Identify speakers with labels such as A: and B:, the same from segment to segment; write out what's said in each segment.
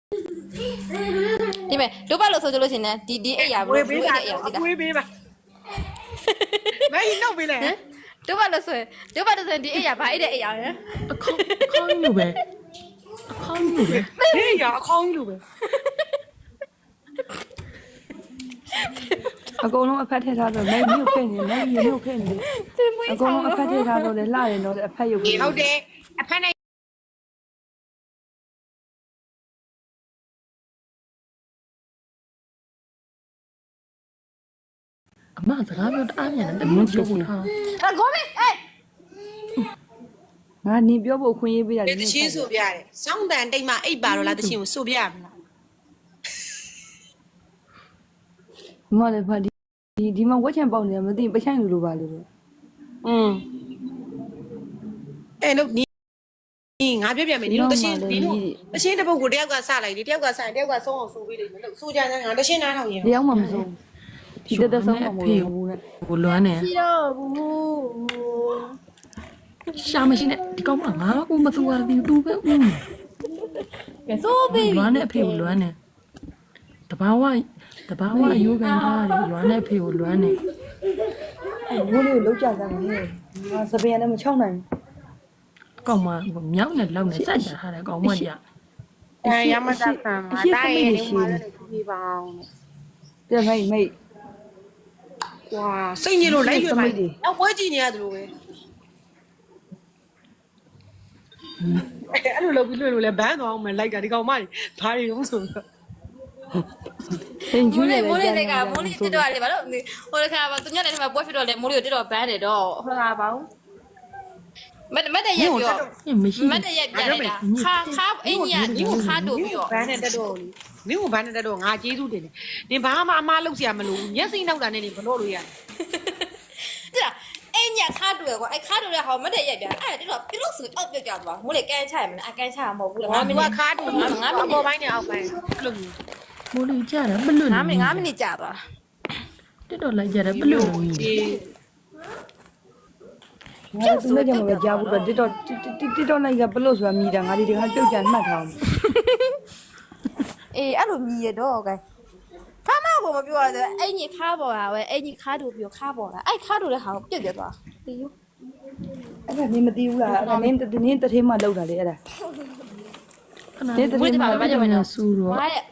A: ဒီမဲ့တို့ပါလို့ဆိုကြလို့ရှင်ねဒီအိယာဘလို့ဒီအိယာသိတာ
B: ဝေးပေးပါမဲဟိနှုတ်ပေးလေ
A: တို့ပါလို့ဆိုဒီအိယာဘာအိတဲ့အိယာရယ်
C: အခေါင်းလိုပဲအခေါင်းလိုပဲ
B: ဟေးရအခေါင်းလိုပဲ
D: အကုန်လုံးအဖက်ထည့်ထားတော့မဲမြုပ်ခဲ့နေမဲမြုပ်ခဲ့နေအကုန်လုံးအဖက်ထည့်ထားတော့လေလှတယ်တော့အဖက်ရုပ်
B: ဟုတ်တယ်အဖက်နဲ့
C: အမစကားပြောတအားမြန်တယ်တမင်းပြောဖို့ထား
A: ကောမေအေး
D: ငါနေပြောဖို့ခွင့်ရေးပေးတာ
B: တချင်းဆိုပြရတယ်စောင်းတန်တိတ်မှအိပ်ပါတော့လားတချင်းကိုဆိုပြရမလား
D: မလည်းဖတ်ဒီမှာဝက်ချန်ပေါက်နေမသိပချိုင်လူလိုပါလို့
B: အဲ့လို့နီငါပြပြမယ်ဒီလိုတချင်းတစ်ပုတ်ကိုတယောက်ကစလိုက်ဒီတယောက်ကစရင်တယောက်ကဆုံးအောင်ဆိုပေးလိမ့်မယ်လို့ဆိုကြတယ်ငါတချင်းနားထောင်ရင်
D: တယောက်မှမဆုံးဒီတက်ဆုံးမှမဟုတ်ဘူးနဲ့
C: ကိုလွမ်းနေ
A: ရှိတော့ဘူး
C: ရှာမရှိနဲ့ဒီကောင်မငါကိုမသူရသည်တူပဲဦး
A: ကဲဆိုပြီ
C: လွမ်းနေအဖေကိုလွမ်းနေတဘာဝရိုးကန်ထားတယ်လွမ်းနေအဖေကိုလွမ်းနေ
D: ဘိုးလေးကိုလောက်ကြစမ်းမင်းငါစပင်နဲ့မချောင်းနိုင်
C: ကောင်မမြောက်နဲ့လောက်နဲ့စက်ချထားတယ်ကောင်မကြီး
B: ရမတဆန်မှာတားရဲ့ဒီမှာလည်းပြပါအောင်
D: တဲ့မိတ်
B: ကွာစိတ်ညစ်လို့လိုက်ရွယ်ပါနောက်ပွဲကြည့်နေရတယ်လို့ပဲအဲ့လိုလုပ်ပြီးလွှင့်လို့လဲဘန်းသွားအောင်မယ်လိုက်တာဒီကောင်မကြီးဘာတွေလုံးဆိုတော့
D: သင်ကျူးနေတယ်
A: မိုးလေးကမိုးလေးတစ်တော့လေဘာလို့ဟိုတခါသူညနေထဲမှာပွဲဖြစ်တော့လေမိုးလေးကိုတစ်တော့ဘန်းတယ်တော့ဟိုကဘာဘူးမတ်တဲ့ရက်ပြော
C: မရှိ
A: မတ်တဲ့ရက်ပြန်နေတာခါအင်းကြီးကဒီကိုခါတို့ပြီးတော့
B: ဘန်းနဲ့တက်တော့လေမင်းကဘန်းနဲ့တက်တော့ငါကျေးဇူးတင်တယ်နင်ဘာမှအမားလုပ်စရာမလိုဘူးမျက်စိနောက်တာနဲ့နေဘလို့လို့ရတယ်
A: တိလားအင်းကြီးခါတို့ရကွာအဲ့ခါတို့ရဟောမတ်တဲ့ရက်ပြန်အဲ့တစ်တော့ပြလို့ဆိုတော့ပြုတ်ကြသွားမိုးလေးကန်းချရမလားအကန်းချရမဟုတ်ဘူးလား
B: ငါကခါတူငါပေါ်ပိုင်းနဲ့အောက်ပိုင်းအဲ့လိုမျိုး
C: မိုးလေးကြတယ်ပလွတ်
A: 9မိနစ်ကြာသွား
C: တက်တော့လိုက်ကြတယ်ပလွတ်လို့
B: ဒီ
D: ငါသူနဲ့ကြောင့်ပဲကြားဘူးတော့တစ်တော့လိုက်ကဘလို့ဆိုတာမြည်တာငါဒီတခါပြုတ်ကြမှတ်ထားအောင်
A: အေးအဲ့လိုမြည်ရတော့ကဲခါမကိုမပြောရသေးအဲ့ညီခါပေါ်တာပဲအဲ့ညီခါတို့ပြောခါပေါ်တာအဲ့ခါတို့လည်းဟာကိုပြုတ်ပြသွားတီးယူ
D: အဲ့ဒါနင်းမသိဘူးလားအဲ့ဒါနင်းတထေးမှလောက်တာလေအဲ့ဒါ
C: တဲ့တဲ့မှာဘာကြောင့်လဲဆူတော့
A: ဟာတဲ့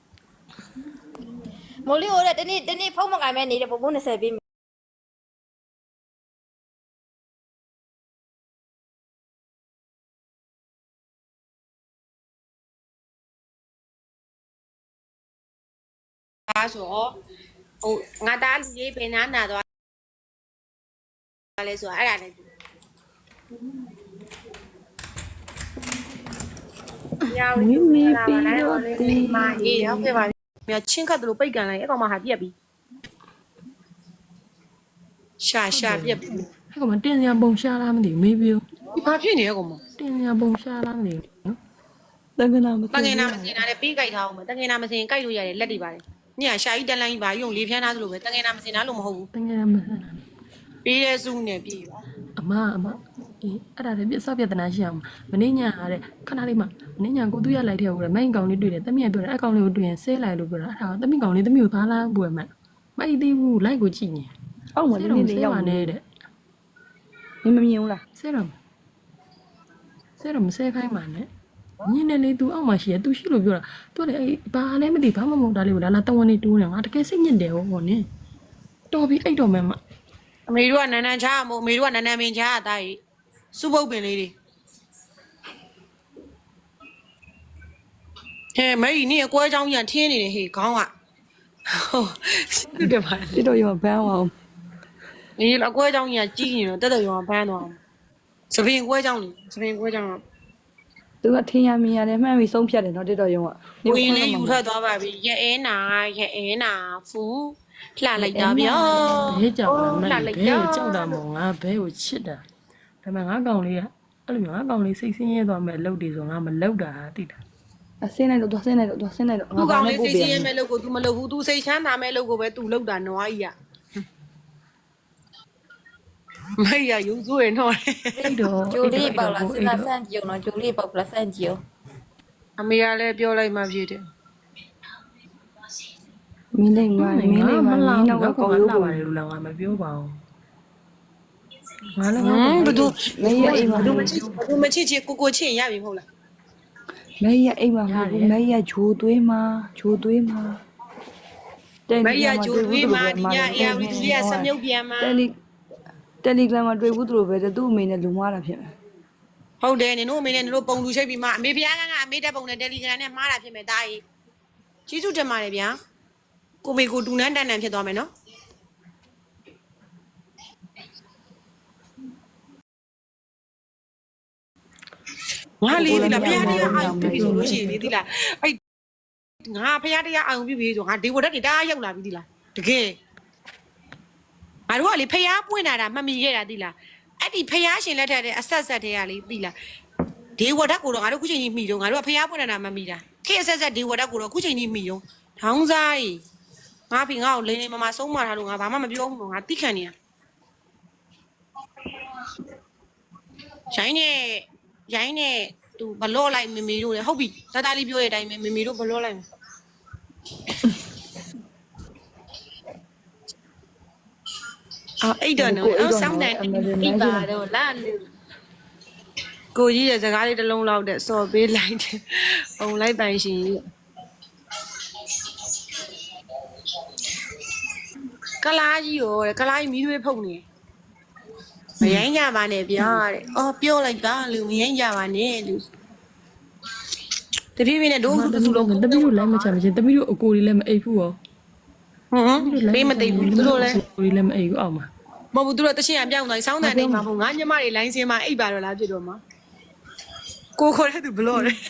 A: မိုးလီဟိုတဲ့တနေ့ဖုံးမကင်မဲ့နေတဲ့ပုံပုံ20ပေး
B: အားဆိုဟိုငါသားလူကြီးပင်နာနာသွားလဲဆိုအဲ့ဒါလည်းရောင်းနေပြီတော့ဒီမှာအေးရောက်ခဲ့ပါပြီချင်းခတ်တယ်လို့ပိတ်ကန်လိုက်အဲ့ကောင်မှဟာပြက်ပြီရှာပြက်ပြီ
C: အဲ့ကောင်မတင်စရာပုံရှားလားမသိဘူးမေးပြော
B: ဒီဘာဖြစ်နေရကောင်မ
C: တင်စရာပုံရှားလားမသိဘူးနော်
D: တန်ခနာမ
B: တငယ်နာမစင်တာလည်းပေးကြိုက်ထားအောင်မတငယ်နာမစင်ကြိုက်လို့ရတယ်လက်တွေပါတယ်ညရှာကြီးတန်လိုင်းပါရုံလေးဖျန်းသားသလိုပဲတငယ်နာမစင်တာလို့မဟုတ်ဘူး
C: တကယ်မဆန်တာ
B: ပေးတဲ့စုနဲ့ပြေးပါ
C: အမအေးအဲ့ဒါလည်းပြစောက်ပြဿနာရှိအောင်မင်းညာတဲ့ခဏလေးမှမင်းညာကိုသူရလိုက်တဲ့ဟိုလေမိုင်းကောင်လေးတွေ့တယ်တမီးကပြောတယ်အကောင်လေးကိုတွေ့ရင်ဆဲလိုက်လို့ပြောတာအဲ့ဒါတမီးကောင်လေးတမီးကိုဘာလားပွေမှမိုက်သေးဘူးလိုက်ကိုကြည့်နေ
D: အောက်မှာနင်းနေရောက်
C: ပါ
D: နေ
C: နေတဲ့
D: နင်းမမြင်ဘူးလား
C: ဆဲတော့မဆဲခိုင်းပါနဲ့ညနေလေး तू အောက်မှာရှိရ तू ရှိလို့ပြောတာ तू လည်းအေးဘာလဲမသိဘာမှမဟုတ်တာလေးကိုလာတဝန်နေတိုးနေငါတကယ်စိတ်ညစ်တယ်ဟောနင်းတော်ပြီအိတ်တော်မယ်မ
B: အမေတို့ကနန်းနန်းချားမို့အမေတို့ကနန်းနန်းမင်းချားအသားကြီးစုပုတ်ပင်လေးတွေဟဲ့မေကြီးနင်းအကွဲချောင်းကြီးထင်းနေတယ်ဟေးခေါင်းကဟုတ်တယ်ပါ
D: တစ်တော့ရောဘန်းအောင်
B: နင်းအကွဲချောင်းကြီးကြီးနေတော့တက်တက်ရောဘန်းသွားစပင်ကွဲချောင်းလေစပင်ကွဲချောင်းက
D: သူကထင်ရမြင်ရတယ်မှန်ပြီးဆုံးဖြတ်တယ်နော်တစ်တော့ရောက
B: ဝင်လေးယူထွက်သွားပါပြီရဲအဲနာဖူးလှလိုက်တာဗျာ
C: ဘဲကြောက်တာမဘဲကိုကြောက်တာမို့ငါဘဲကိုချစ်တာဒါပေမဲ့ငါကောင်လေးကအဲ့လိုမျိုးငါကောင်လေးစိတ်ဆင်းရဲသွားမဲ့အလုပ်တွေဆိုငါမလုပ်တာသိတာ
D: အစင်းလိုက်တော့သွားစင်းလိုက်တော့သွားစင်းလိုက်တော့
B: သူကောင်လေးစိတ်ဆင်းရဲမဲ့လို့ကို तू မလုပ်ဘူး तू စိတ်ချမ်းသာမဲ့လို့ကိုပဲ तू လုပ်တာနွားကြီးอ่ะမေရယူစိုးရနော်
C: အဲ့တော့
A: ဂျိုလေးပေါက်လားစဉ်းစားဆန့်ကြည့်အောင်နော်ဂျိုလေးပေါက်လားဆန့်ကြည့်အောင်
B: အမေကလည်းပြောလိုက်မှဖြစ်တယ်
D: မင်းလေးမင်းလေးမင်းနောက်ကကောင်းလို့
C: လာပါတယ်လို့လည်းငါမပြောပါဘူးငါလည်း
B: ဘသူ
D: မင်းရဲ့အိမ်မှာ
B: ဘသူမချစ်ချစ်ကိုချစ်ရပြီမဟုတ်လား
D: မင်းရဲ့အိမ်မှာမင်းရဲ့ဂျိုးသွေးမှာဂျိုးသွေးမှာ
B: မရဂျိုးသွေးမှာဒီညအေယာဝီသူလေးကစမြုပ်ပြန်မှာ
D: တယ်လီဂရမ်မှာတွေ့ဘူးသူတို့ပဲသူ့အမေနဲ့လူမွားတာဖြစ်မယ်
B: ဟုတ်တယ်နင်တို့အမေနဲ့နင်တို့ပုံလူချိတ်ပြီးမှအမေဖျားကအမေတက်ပုံနဲ့တယ်လီဂရမ်နဲ့မှားတာဖြစ်မယ်တာကြီးကြီးစုတင်ပါတယ်ဗျာကိုမေကိုတူနန်းတန်တန်ဖြစ်သွားမယ်နော်ငါလေးဒီလားဖျားတရားအာရုံပြုပြီဆိုလို့ရှိရင်လေဒီလားအဲ့ငါဖျားတရားအာရုံပြုပြီဆိုငါဒေဝတက်တွေတအားရောက်လာပြီဒီလားတကယ်ငါတို့ကလေဖျားပွင့်လာတာမှတ်မိခဲ့တာဒီလားအဲ့ဒီဖျားရှင်လက်ထက်တဲ့အဆက်ဆက်တွေကလေဒီလားဒေဝတက်ကိုတော့ငါတို့ခုချိန်ကြီးမိတော့ငါတို့ကဖျားပွင့်လာတာမှတ်မိတာခေအဆက်ဆက်ဒေဝတက်ကိုတော့ခုချိန်ကြီးမိတော့ထောင်းစားကြီးငါဖေငါ့ကိုလိန်လိန်မမဆုံးမထားလို့ငါဘာမှမပြောဘူးငါတိခံနေတာရိုင်းနဲ့သူဘလော့လိုက်မမေတို့လေဟုတ်ပြီတတလေးပြောတဲ့အတိုင်းပဲမမေတို့ဘလော့လိုက်မယ်အဲ့တော့နော်ဆောင်းတန်အိပ်ပါတော့လာလူကိုကြီးရဲ့စကားလေးတစ်လုံးလောက်တဲ့စော်ပေးလိုက်တယ်ပုံလိုက်ပိုင်ရှင်ကလားကြီးရောကလားကြီးမီးတွေဖုတ်နေမရိုင်းကြပါနဲ့ဗျာတဲ့အော်ပြောလိုက်ပါလူမရိုင်းကြပါနဲ့လူတပြည့်ပြည့်နဲ့ဒိုးစုလုံး
C: တမီးတို့လည်းမချမချင်းတမီးတို့အကိုတွေလည်းမအိပ်ဘူးရော
B: ပေးမသိဘူးသူတို့လည်း
C: အကိုတွေလည်းမအိပ်ဘူးအောက်မှာ
B: မဟုတ်ဘူးသူတို့တချင်းအပြောင်းသွားဆောင်းတန်နေမှာမဟုတ်ငါညမတွေလိုင်းစင်းမှာအိပ်ပါတော့လားဖြစ်တော့မှာကိုခေါ်တဲ့သူဘလော့တယ်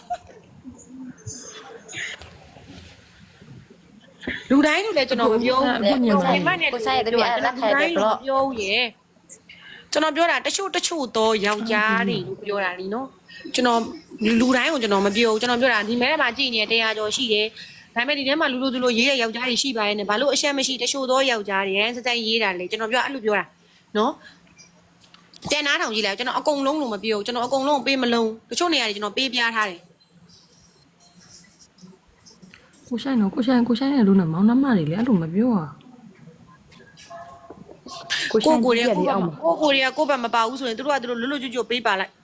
B: လူတိုင်းလူလည်းကျွန်တော်မပြောဘူးဒီမနဲ့
A: ကိုဆိုင်တဲ့ပြအဲ့လက်ခိုက်တယ်ဘလော့
B: ပြောရဲ့ကျွန်တော်ပြောတာတချို့တော့ယောက်ျားတွေလို့ပြောတာလीနော်ကျွန်တော်လူတိုင်းကိုကျွန်တော်မပြောဘူးကျွန်တော်ပြောတာဒီမဲထဲမှာကြည့်နေ100ကျော်ရှိတယ်ဒါပေမဲ့ဒီထဲမှာလူလူရေးတဲ့ယောက်ျားတွေရှိပါရဲ့နဲ့ဘာလို့အရှက်မရှိတချို့သောယောက်ျားတွေရန်စစိုက်ရေးတာလေကျွန်တော်ပြောအဲ့လိုပြောတာနော်တဲနားထောင်ကြည့်လိုက်ကျွန်တော်အကုန်လုံးလို့မပြောကျွန်တော်အကုန်လုံးပေးမလုံးတချို့နေရာတွေကျွန်တော်ပေးပြထားတယ်
C: ကိုဆိုင်တော့ကိုဆိုင်နဲ့လူနဲ့မောင်နှမတွေလည်းအဲ့လိုမပြောอ่ะ
B: ကိုကိုတွေကကိုဘက်မပါဘူးဆိုရင်တို့ကတို့လွတ်လွတ်ကျွတ်ကျွတ်ပေးပါလိုက်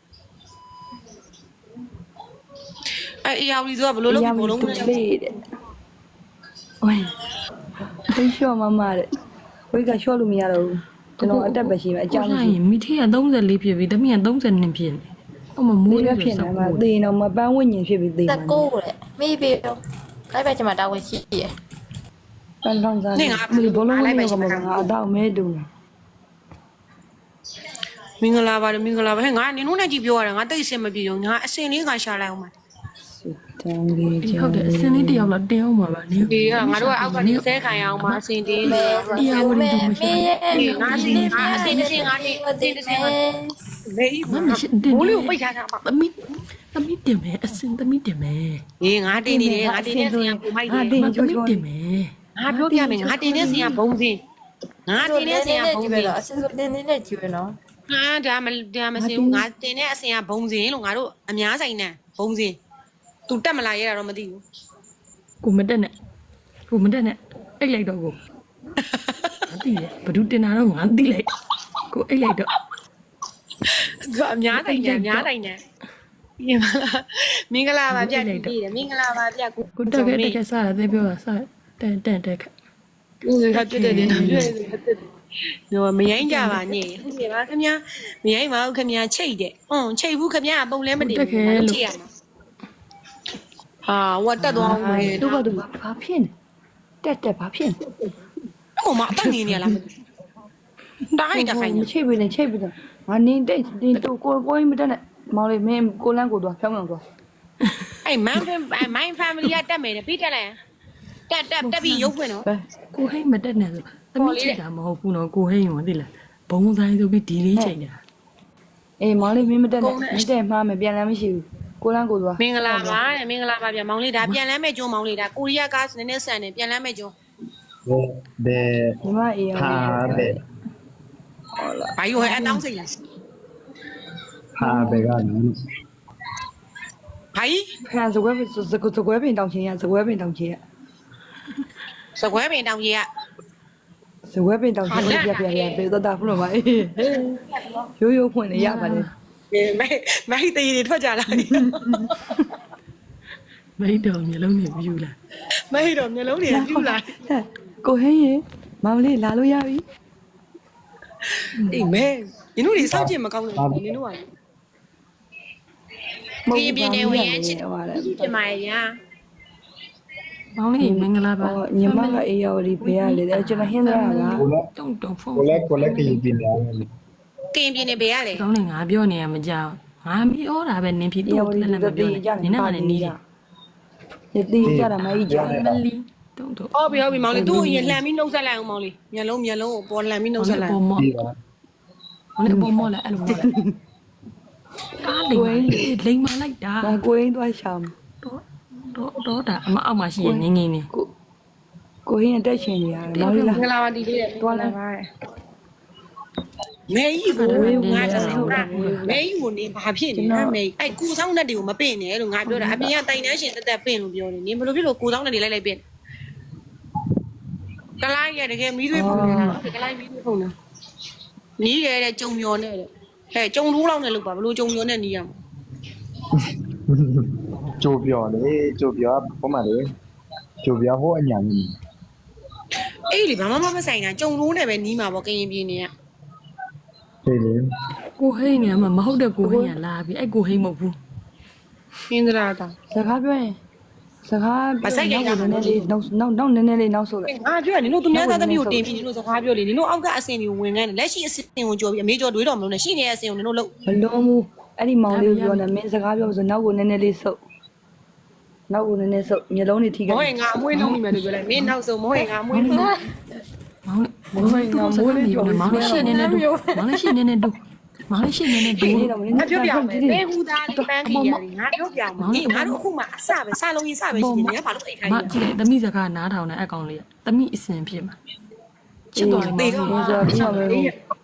B: အဲ့အရာဝီဆိုကဘလို့လို့ဘလုံးမလဲ
D: လေးတဲ့ဝိုင်းသိလျှော့မတဲ့ဝိတ်ကလျှော့လို့မရတော့ဘူးကျွန်တော်အတက်ပဲရှိမယ်အကြောင်း
C: ကိုဆိုင်မိထေးက34ဖြစ်ပြီတမီးက32ဖြစ်နေအော်မမိုး
D: လေး
C: ရ
D: ပဲ
C: ဖြ
D: ဖြစ် စ်
C: နေ
D: နေ
C: မှာ
D: မှာသေတော့မပန်းဝိညာဉ်ဖြစ်ပြီးသေ
A: တ
D: မှာ
A: ကိုးတဲ့မေးပြီးတော့အဲ့ဘက်ကျမတာဝန်ရှိရ
D: ပန်းထောင်းစားနေဘောလုံးလေးကမငါအတော့မဲတူနေ
B: မင်္ဂလာပါတယ်ဟဲ့ငါနင်တို့နဲ့ကြည့်ပြောရတာငါတိတ်အဆင်မပြေဘူးငါအစင်လေးကရှာလိုက်အောင်ပါ
D: တန်ကြီး
C: ဒီ
D: ချော
C: ဟုတ်တယ်အစင်းလေးတစ်ယောက်လောက်တင်းအောင်ပါပါနင်း
B: ဒီကငါတို့ကအောက်ကနေဆဲခံရအောင်ပါအစင်တင်းနေ
C: တရားဝင်တူမရှိ
B: ငါအစင်ငါအစင်တစ်စင်ငါနေအစင်တစ်စင်မေး
C: မမရှိတင်
B: ဘိုးလေးကိုပိတ်ထားတာပါ
C: သမီးတင်မယ်အစင်းသမီးတင်မယ်
B: အေးငါတင်နေတယ်ငါတင်တဲ့စင်ကပုံမိုက်တယ်
C: သမီးတင်မယ်
B: ငါပြောပြမယ်ငါတင်တဲ့စင်ကဘုံစင်ငါတင်တဲ့စင်ကဘုံစင်
A: အစင်ဆိုတင်းနဲ့ကြည့်ရနော်
B: ဟာဒါမစင်ဘူးငါတင်တဲ့အစင်ကဘုံစင်လို့ငါတို့အများဆိုင်နဲ့ဘုံစင် तू တက်မလာရတာတော့မသိဘူး
C: ကိုမတက်နဲ့အိတ်လိုက်တော့ကိုငါသိတယ်ဘဒုတင်တာတော့ငါသိလိုက်ကိုအိတ်လိုက်တော့
B: သူအများဆိုင်နဲ့ပြင်ပါလားမင်္ဂလာပါဗျာတည်တယ်မင်္ဂလာပါဗျာကို
C: ကိုတက်ခဲ့စားတယ်ပြောတာစားတန်ခက်
B: ဦးရပြတဲ့နေတော့ပြည့်နော်မရိုင်းကြပါနဲ့ဟုတ်ပြီပါခင်ဗျာမရိုင်းပါဘူးခင်ဗျာချိတ်တယ်ချိတ်ဘူးခင်ဗျာပုံလဲမတင်ဘူးချိတ်ရမှာဟာဝတ်တက်သွားမယ်
D: တို့ကတို့ဘာဖြစ်နေတက်ဘာဖြစ်နေ
B: ဟိုမှာအတက်နေနေလားတားရတဲ့ခိုင်း
D: ချိတ်ပြီးနေချိတ်ပြီးတော့ငါနေတိတ်တင်တို့ကိုမတက်နဲ့မောင်လေးမင်းကိုလန်းကိုတော့ဖြောင်းအောင်တော့
B: အဲ့မိုင်းဖမ်မလီကတက်မယ်ပြီးတက်လိုက်တက်ပြီးရုပ်ဖွင့်နော်
C: ကိုဟိတ်မတက်နဲ့ဆိုသမီးချိန်တာမဟုတ်ဘူးနော်ကိုဟိတ်ရောသိလားဘုံဆိုင်ဆိုပြီးဒီလေးချိန်တာ
D: အေးမောင်လေးမင်းမတက်နဲ့မတက်မှားမယ်ပြန်လမ်းမရှိဘူးကိုလန်းကိုတော့
B: မင်္ဂလာပါတဲ့မင်္ဂလာပါဗျာမောင်လေးဒါပြန်လမ်းမဲ့ကျွန်းမောင်လေးဒါကိုရီးယားကားနည်းနည်းဆန်တယ်ပြန်လမ်းမဲ့ကျွန်း
E: 네.
D: ညီမအေးရော
E: 파베.
B: ဘာယူဟဲ့အတောင်းစိတ်လား
E: 파베가 너무.
B: ဘာကြီး
D: ခံစကွဲပင်တောင်ချင်းရစကွဲပင်တောင်ချင်းရ
B: စကွဲပင်တောင်ကြီးက
D: စကွဲပင်တောင်ချင်းပြပေးတော့တာဖလို့ပါအေးရိုးဖွင့်နေရပါတယ်
B: မိုက်တေးတွေထွက်ကြလာတယ်
C: မိတ်တော်မျိုးလုံးနေပြူလာ
B: မိုက်တော့မျိုးလုံးတွေပြူလာ
D: ကိုဟင်းရေမောင်လေးလာလို့ရပြီ
B: အေးမဲနင်တို့တွေစောင့်ကြည့်မကောင်းလို့နင်တို့ကပြင်းနေဝင်ရချစ်ပြမရညာ
C: မောင်လေးမင်္ဂလာပါ
D: ညီမကအေးရော်ဒီဘေးရလေကျွန်တော်ဟင်းသားက
C: တုံတုံဖုန်း
E: ကိုလည်းကြည့်ပြနေတယ်
B: ကင်ပြင်းနေဘေးရလေ
C: ကောင်းနေငါပြောနေရမကြောက်ငါမီဩတာပဲနင်းဖြစ်တော့လည်းမပြောနဲ့နင်းနဲ့ကလည်းနီးတယ်
D: ရတီးကြတာမကြီးကြ
C: မလီတုံတုံ
B: ဟုတ်ပြီမောင်လေးသူ့အရင်လှန်ပြီးနှုတ်ဆက်လိုက်အောင်မောင်လေးမျက်လုံးကိုပေါ်လှန်ပြီးနှုတ်ဆက်လိုက်
C: ပေါ်မော့
E: ပြီးပါ
C: ဟိုလည်းပေါ်မော့လည်းအဲ့လိုမော့လိုက်ကားလိမ်မလိုက်တာ
D: ငါကိုရင်းသွားရှောင်း
C: တော့တာအမအောက်မှာရှိရင်ငင်းငင်းနေ
D: ကိုဟင်းတက်ရှင်နေရတယ်မောင်လေးလား
B: ငလာပါဒီလေးတယ်တွားလာပါမဲကြီးကိုငါကြောက်တာမဲကြီးကိုနေဘာဖြစ်နေလဲမဲအဲ့ကိုဆောင်တဲ့တွေကိုမပင့်နဲ့လို့ငါပြောတာအပြင်ကတိုင်တန်းရှင်တက်တက်ပင့်လို့ပြောနေနင်ဘယ်လိုဖြစ်လို့ကိုဆောင်တဲ့တွေလိုက်ပင့်ကလိုင်းရတကယ်မီးသွေးပုံနေတာကလိုင်းမီးသွေးပုံနေနီးရတဲ့ကြုံမျောနဲ့တဲ့ဟဲ့ကြုံထိုးလောက်နဲ့လို့ပါဘလို့ကြုံမျောနဲ့နီးရမှာ
E: ကြိုပြောလေကြိုပြောပုံမှန်လေကြိုပြောဟိုအညာကြီး
B: အေးလေဘာမှမဆိုင်တာကြုံထိုးနဲ့ပဲနီးမှာပေါ့ကရင်ပြင်းနေရ
E: ဒီလေ
C: ကိုဟိန်းနေမှာမဟုတ်တဲ့ကိုဟိန်းကလာပြီအဲ့ကိုဟိန်းမဟုတ်ဘူး
B: ပြင်းသလားတာ
D: စကားပြောရင်စကားနည်းနည်းလေးနောက်နည်းနည်းလေးနောက်ဆိုလိုက်
B: ငါပြောနင်တို့သူများသားသမီးကိုတင်ပြီးနင်တို့စကားပြောလေနင်တို့အောက်ကအစင်တွေကိုဝင်ခိုင်းတယ်လက်ရှိအစင်ကိုကြော်ပြီးအမေကြော်တွေးတော်မလို့နဲ့ရှိနေတဲ့အစင်ကိုနင်တို့လို့
D: မလုံးဘူးအဲ့ဒီမောင်လေးပြောနေမင်းစကားပြောဆိုနောက်ကိုနည်းနည်းလေးဆုပ်နောက်ကိုနည်းနည်းဆုပ်မျိုးလုံးတွေထိ
B: မ
D: ခို
B: ဟုတ်
D: င်း
B: ရင်ငါအမွေးလုံးမိမယ်လို့ပြောလိုက်မင်းနောက်ဆုံးမဟုတ်ရင်ငါအမွေးလုံး
C: မောင်လေးမောင်လေးရှင်းနေနေတူမောင်လေးရှင်းနေနေတူမောင်လေးရှင်းနေနေတူ
D: နေတော့မင်း
B: ငါပြောပြမယ်ဘယ်ဟူသားလေးပန်းခီရတယ်ငါပြောပြမယ်အေးငါတို့အခုမှအစပဲစလုံးကြီးစပဲရှိနေငါဘာလို့အိတ်ခိုင်း
C: မ
B: လဲ
C: ကြည့်တယ်သမီးစကားနားထောင်တဲ့အကောင်လေးသမီးအစင်ဖြစ်မှာချစ်တော်လေးမောင်လေး
D: ဆိုပြီးတော့မယ်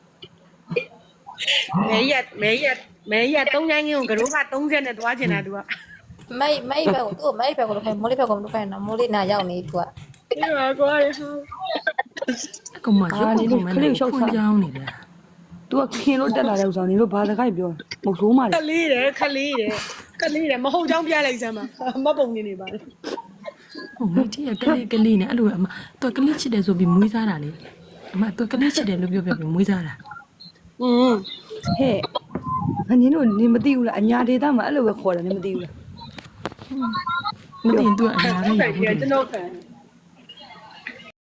B: မဲရ3ညိုင်းငင်းကိုကတော့က30နဲ့တွားချင်တာသူက
A: မိုက်ဘက်ကိုသူ့မိုက်ဘက်ကိုလို့ခိုင်းမိုးလေးဘက်ကိုလို့ခိုင်းနော်မိုးလေးနာရောက်နေသူက
B: ဒီမှာကွာရဟော
C: အကောင်မရုပ်ပုံမှန်နဲ့ခွန်ကြောင်းနေတယ်
D: သူကခင်လို့တက်လာတဲ့ဥစ္စာနေလို့ဘာစကားပြောမဟုတ်ဆိုးမှ
B: ခ
D: တယ်
B: လေးတယ်မဟုတ်ကြောင်းပြလိုက်စမ်းပါမပုံနေပါလေ
C: ဟိုမကြီးကကလေးနဲ့အဲ့လိုအမတော်ကလေးချစ်တယ်ဆိုပြီးမွေးစားတာလေအမတော်ကလေးချစ်တယ်လို့ပြောပြီးမွေးစားတာ
B: อืม
D: ဟဲ့ငါညင်းတို့နင်မသိဘူးလားအညာဒေတာမှာအဲ့လိုပဲခေါ်တယ်နင်မသိဘူးလား
C: မသိရင်သူကအများ
B: ဟု
C: ကြီး
B: တ်တယ်ကျွန်တော်ခံ